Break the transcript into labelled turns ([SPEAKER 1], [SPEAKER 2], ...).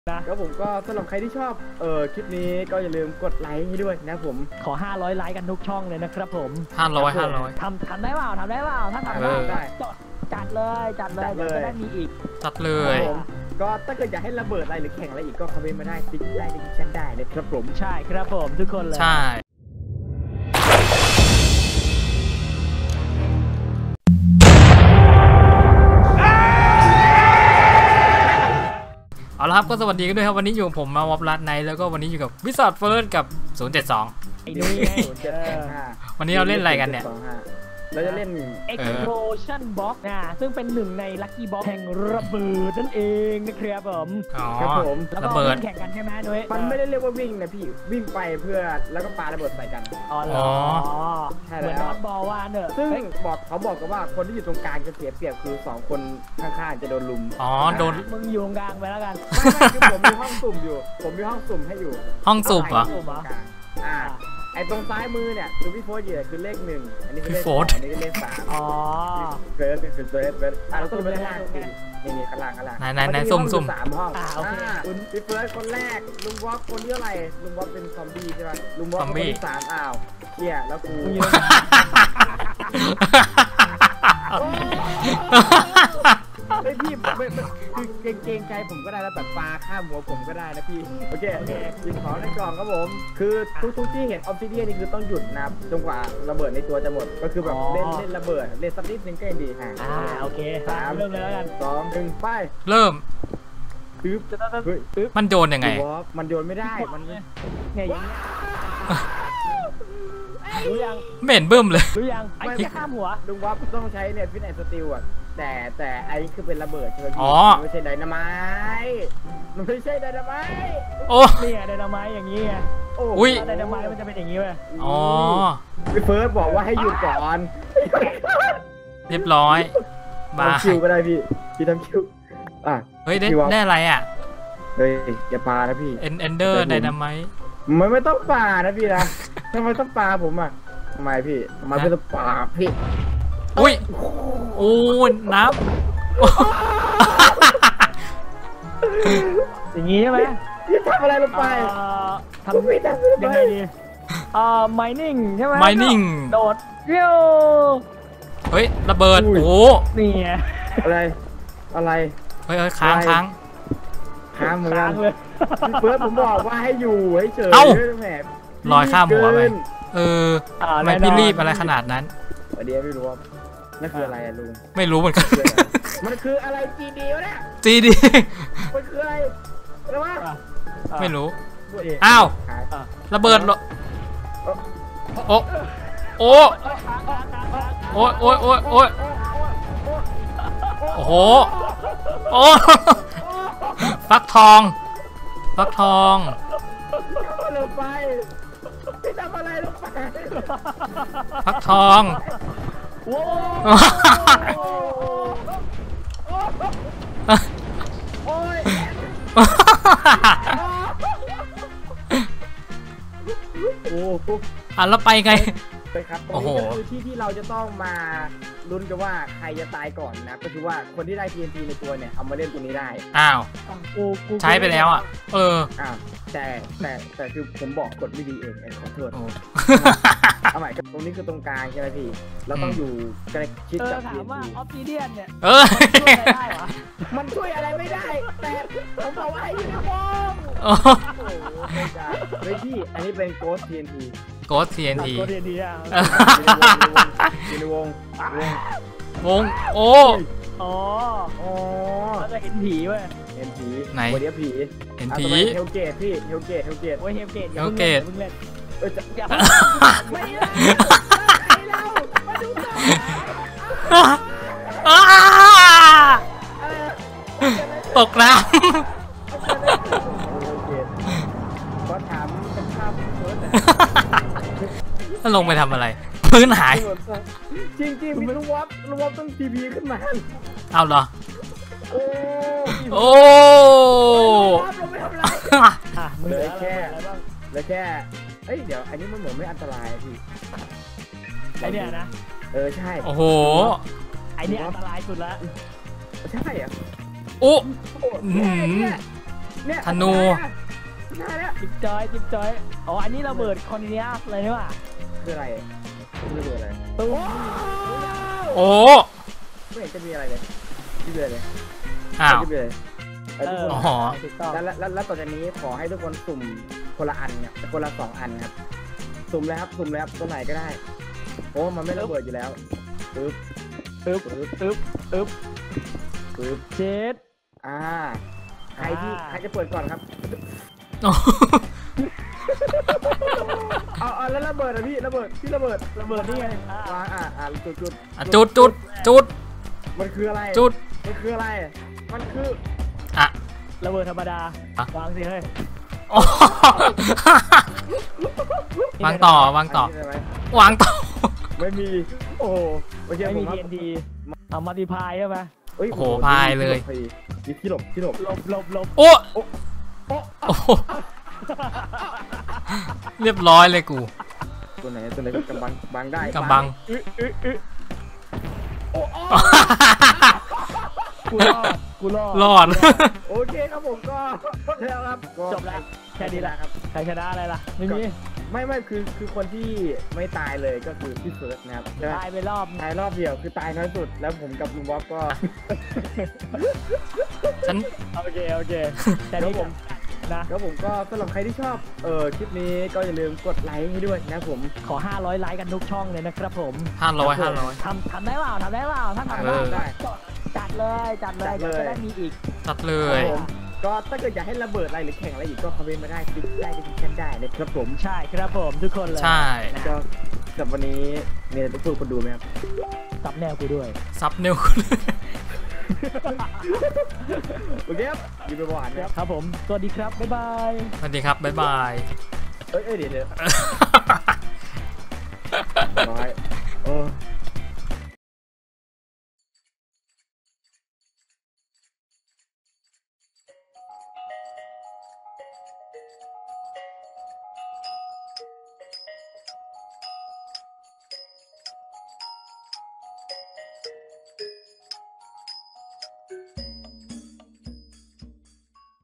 [SPEAKER 1] แล้วผมก็สำหรับใครที่ชอบคลิปนี้ก็อย่าลืมกดไลค์ให้ด้วยนะผม
[SPEAKER 2] ขอ500ไลค์กันทุกช่องเลยนะครับผม
[SPEAKER 3] 500
[SPEAKER 2] ทำได้เปล่าถ้าทำได้จัดเลยจะได้มีอีก
[SPEAKER 3] จัดเลย
[SPEAKER 1] ก็ถ้าเกิดอยากให้ระเบิดอะไรหรือแข่งอะไรอีกก็คอมเมนต์มาได้ติ๊กได้ในชั้นได้เลยครับผม
[SPEAKER 2] ใช่ครับผมทุกคนเลย
[SPEAKER 3] ใช่เอาละครับก็สวัสดีกันด้วยครับวันนี้อยู่ผมมาวอปลัดไนแล้วก็วันนี้อยู่กับวิสัทเฟิร์สกับ072วันนี้เราเล่นอะไรกันเนี่ย
[SPEAKER 1] เราจะเล่น
[SPEAKER 2] Explosion Box ซึ่งเป็นหนึ่งใน Lucky Box แห่งระเบิดนั่นเองนะครับผม
[SPEAKER 1] ครับผม
[SPEAKER 2] ระเบิดแข่งกันใช่ไหมนุ้ย
[SPEAKER 1] มันไม่ได้เรียกว่าวิ่งนะพี่วิ่งไปเพื่อแล้วก็ปาระเบิดใส่กัน
[SPEAKER 2] อ๋อเหมือนนอตบอลว่าเนอะ
[SPEAKER 1] ซึ่งเขาบอกกันว่าคนที่อยู่ตรงกลางจะเสียเปรียบคือ2คนข้างๆจะโดนลุม
[SPEAKER 3] โดน
[SPEAKER 2] มึงอยู่ตรงกลางไปแล้วกัน
[SPEAKER 1] ไม่คือผมมีห้องสุ่มอยู่ผมมีห้องสุ่มให้อยู่
[SPEAKER 3] ห้องสุ่มเหรอ
[SPEAKER 1] ไอ้ตรงซ้ายมือเนี่ยคือพี่โฟร์เหยื่อคือเลข1อันนี้คือเลข2อันนี้คือเลข3เฟิร์สเราต้องไปข้างล่างนี่ข้างล่าง
[SPEAKER 3] ไหนสุ่ม
[SPEAKER 1] 3ห้องคุณพี่เฟิร์สคนแรกลุงวอฟคนที่เท่าไหร่ลุงวอฟเป็นซอมบี้ใช่ไหมลุงวอฟคนที่3อ้าวเชี่ยแล้วกูไม่พี่คือเกรงใจผมก็ได้แล้วแบบปลาข้ามหัวผมก็ได้นะพี่โอเคหยิบของในกล่องครับผมคือทุกที่เห็นออฟซิเดียนี่คือต้องหยุดนะจนกว่าระเบิดในตัวจะหมดก็คือแบบเล่นระเบิดเล่นสักนิดนึงก็ยังดี
[SPEAKER 2] โอเค3เริ่มเลยแล้วกัน
[SPEAKER 1] 2 1ไป
[SPEAKER 3] เริ่ม
[SPEAKER 1] ปึ๊บ
[SPEAKER 3] มันโยนยังไง
[SPEAKER 1] มันโยนไม่ได้มัน
[SPEAKER 2] เนี่ยอย่างเงี้ยรู้ยัง
[SPEAKER 3] ไม่เห็นบึ้มเลย
[SPEAKER 2] รู้ยังไอ้ที่ข้ามหัว
[SPEAKER 1] ลุงวับต้องใช้เนี่ยฟิตแอนด์สตีลอ่ะแต่ไอ้คือเป็นระเบิดใช่ไหมพี่ไม่ใช่ไดนาไมต์มันไม่ใช่ไดนาไมต์
[SPEAKER 2] นี่ไงไดนาไมต์อย่างนี้ไงไดนาไมต์มันจะเป็นอย่างนี้เว้ย
[SPEAKER 1] พี่เฟิร์สบอกว่าให้หยุดก่อน
[SPEAKER 3] เรียบร้อย
[SPEAKER 1] ทำคิวก็ได้พี่ทำคิว
[SPEAKER 3] เฮ้ยได้อะไรอ่ะ
[SPEAKER 1] เฮ้ยอย่าปานะพี่
[SPEAKER 3] เอนเดอร์ไดนาไมต์
[SPEAKER 1] ไม่ต้องปานะพี่นะทำไมต้องปาผมอ่ะทำไมพี่ทำไมต้องปาพี่
[SPEAKER 3] อุ้ยโอ้น้ำ
[SPEAKER 2] อย่างนี้ใช่ไหม
[SPEAKER 1] พี่ทำอะไรลงไป
[SPEAKER 2] ทำยังไงดีmining ใช่ไหม
[SPEAKER 3] mining
[SPEAKER 2] โดดเยี่ยว
[SPEAKER 3] เฮ้ยระเบิดโอ้
[SPEAKER 2] นี่ไง
[SPEAKER 1] อะไร
[SPEAKER 3] เฮ้ยค้าง
[SPEAKER 1] เหมือนกันพี่เฟิร์สผมบอกว่าให้อยู่ให้เฉยแหม
[SPEAKER 3] ลอยข้ามหัวไปทำไมพี่รีบอะไรขนาดนั้น
[SPEAKER 1] เดี๋ยวไม่รู้ว่านั่นคืออะไรลุง
[SPEAKER 3] ไม่รู้เหมือนกัน
[SPEAKER 1] มันคืออะไร GD วะเนี่ย
[SPEAKER 3] GD
[SPEAKER 1] มันคืออะไรวะ
[SPEAKER 3] ไม่รู้อ้าวระเบิดโอ้โอ้โหฟักทอง
[SPEAKER 1] ลงไปพี่ทำอะไรลงไป
[SPEAKER 3] ฟักทอง
[SPEAKER 1] โอ้ย
[SPEAKER 3] แล้วไปไง
[SPEAKER 1] ไปครับตรงนี้ก็คือที่เราจะต้องมาลุ้นกันว่าใครจะตายก่อนนะก็คือว่าคนที่ได้ TNT ในตัวเนี่ยเอามาเล่นตัวนี้ได้
[SPEAKER 3] ใช้ไปแล้ว
[SPEAKER 1] แต่คือผมบอกกดไม่ดีเองขอโทษเอาใหม่ตรงนี้คือตรงกลางใช่ไหมพี่เราต้องอยู่ใกล้ชิดกับ
[SPEAKER 2] ถามว่าออฟซิเดียนเนี่ย
[SPEAKER 1] มันช่วยอะไรไม่ได้แต่ผมบอกว่าอยู่ในวงไม่พี่อันนี้เป็น Ghost TNT
[SPEAKER 3] Ghost TNT
[SPEAKER 1] อยู่ในวง
[SPEAKER 3] โอ้
[SPEAKER 2] เราจะเห็นผีเว้ย
[SPEAKER 1] เห็นผี
[SPEAKER 3] ไหน
[SPEAKER 1] เดี๋ยวผี
[SPEAKER 3] เห็นผี
[SPEAKER 1] เฮลเกตพี่เฮลเกต
[SPEAKER 2] โอ้ยเฮลเกตมึงเล่น
[SPEAKER 1] ไม่ได้เรามาดูต่อ
[SPEAKER 3] ตกน้ำ
[SPEAKER 1] ก็ถามเป็นภาพเฟิร์ส
[SPEAKER 3] ถ้าลงไปทำอะไรพื้นหาย
[SPEAKER 1] จริงมีลุงวอฟต้องทีพีขึ้นมา
[SPEAKER 3] เอาเหรอโอ้
[SPEAKER 1] เหลือแค่เฮ้ยเดี๋ยวอันนี้มันเหมือนไม่อันตรายพี่
[SPEAKER 2] ไอเนี้ยนะ
[SPEAKER 1] ใช่
[SPEAKER 3] โอ้โห
[SPEAKER 2] ไอเนี้ยอันตรายสุดละ
[SPEAKER 1] ใช่อ่ะ
[SPEAKER 3] โอ้
[SPEAKER 1] เนี่ย
[SPEAKER 3] ธนู
[SPEAKER 1] ได้แล้ว
[SPEAKER 2] จิ๊บจอยจิ๊บจอยอ๋ออันนี้ระเบิดคอนเนียสเลยใช่ป่ะ
[SPEAKER 1] คืออะไรคือระเบิดอะไร
[SPEAKER 2] ตุ้ม
[SPEAKER 3] โอ้
[SPEAKER 1] ไม่เห็นจะมีอะไรเลยที่เลยเลย
[SPEAKER 3] อ้าว
[SPEAKER 1] ที่เลยทุกคน
[SPEAKER 3] อ๋อ
[SPEAKER 2] ถูกต้อง
[SPEAKER 1] แล้วต่อจากนี้ขอให้ทุกคนสุ่มคนละอันเนี่ยคนละ2 อันครับสุ่มเลยครับสุ่มเลยครับตัวไหนก็ได้โอ้มันไม่ระเบิดอยู่แล้วปึ๊บ
[SPEAKER 2] อึ๊บ
[SPEAKER 1] ปึ๊บ
[SPEAKER 2] อึ๊บอึ๊บ
[SPEAKER 1] ปึ๊บ
[SPEAKER 2] เจ็ด
[SPEAKER 1] ใครจะเปิดก่อนครับเอาแล้วระเบิดอ่ะพี่ระเบิดระเบิด
[SPEAKER 2] ระเบิดนี่ไง
[SPEAKER 1] วางจุด
[SPEAKER 3] อ่ะจุด
[SPEAKER 1] มันคืออะไร
[SPEAKER 3] จุด
[SPEAKER 1] มันคืออะไรมันคือ
[SPEAKER 3] อ่ะ
[SPEAKER 2] ระเบิดธรรมดา
[SPEAKER 3] อ่ะ
[SPEAKER 2] วางสิเฮ้ย
[SPEAKER 3] โอ้วางต่อวางต่อ
[SPEAKER 1] ใช่ไหม
[SPEAKER 3] วางต่อ
[SPEAKER 1] ไม่มีโอ้โอเค
[SPEAKER 2] ไม่
[SPEAKER 1] ผ
[SPEAKER 2] มี
[SPEAKER 1] มครับ
[SPEAKER 2] TNT เอามัลติพายใช่ไหม
[SPEAKER 1] เฮ้ย
[SPEAKER 3] โอ้โหพายเลย
[SPEAKER 1] มีที่หลบ
[SPEAKER 2] หลบ
[SPEAKER 3] โอ้
[SPEAKER 1] โอ้
[SPEAKER 3] โอ้โหเรียบร้อยเลยกู
[SPEAKER 1] ตัวไหนกำบังได้
[SPEAKER 3] กำบัง
[SPEAKER 2] อึ๊ะอึ๊ะอึ๊ะ
[SPEAKER 1] โอ้
[SPEAKER 2] กูรอดกูรอด
[SPEAKER 3] รอด
[SPEAKER 1] โอเคครับผมก็แล้วครับก็
[SPEAKER 2] จบแล้วแค่นี้แหละ
[SPEAKER 1] ครับ
[SPEAKER 2] ใครชนะอะไรล่ะไม่มี
[SPEAKER 1] ไม่คือคนที่ไม่ตายเลยก็คือพี่เฟิร์สนะครับใช่ไหม
[SPEAKER 2] ตายไปรอบ
[SPEAKER 1] ตายรอบเดียวคือตายน้อยสุดแล้วผมกับลุงบ๊อบก็
[SPEAKER 3] ฉัน
[SPEAKER 2] โอเคแต่
[SPEAKER 1] แล้
[SPEAKER 2] นี่
[SPEAKER 1] ว
[SPEAKER 2] ผ
[SPEAKER 1] ผม ม
[SPEAKER 2] นะ
[SPEAKER 1] แล้วผมก็สำหรับใครที่ชอบคลิปนี้ก็อย่าลืมกดไลค์ให้ด้วยนะครับผม
[SPEAKER 2] ขอ500ไลค์กันทุกช่องเลยนะครับผม
[SPEAKER 3] 500
[SPEAKER 2] ทำได้เปล่าถ้าทำ
[SPEAKER 3] เออ
[SPEAKER 2] ได้ก็จัดเลยเดี๋ยวจะได้มีอีก
[SPEAKER 3] จัดเล
[SPEAKER 1] ค
[SPEAKER 3] ย
[SPEAKER 1] รับผมก็ถ้าเกิดอยากให้ระเบิดอะไรหรือแข่งอะไรอีกก็คอมเมนต์มาได้ติ๊กได้ติ๊กกันได้นะครับผม
[SPEAKER 2] ใช่ครับผมทุกคนเลย
[SPEAKER 3] ใช่
[SPEAKER 1] ก็สำหรับวันนี้มีอะไรจะพูดคนดูไหมครับ
[SPEAKER 2] ซับแนวกูด้วย
[SPEAKER 3] ซับนิ้ว
[SPEAKER 1] โอเคครับอยู่ไปบ่านนะครับ
[SPEAKER 2] ผมสวัสดีครับบ๊ายบาย
[SPEAKER 3] สวัสดีครับ บ๊ายบาย
[SPEAKER 1] เอ้ยเดี๋ยว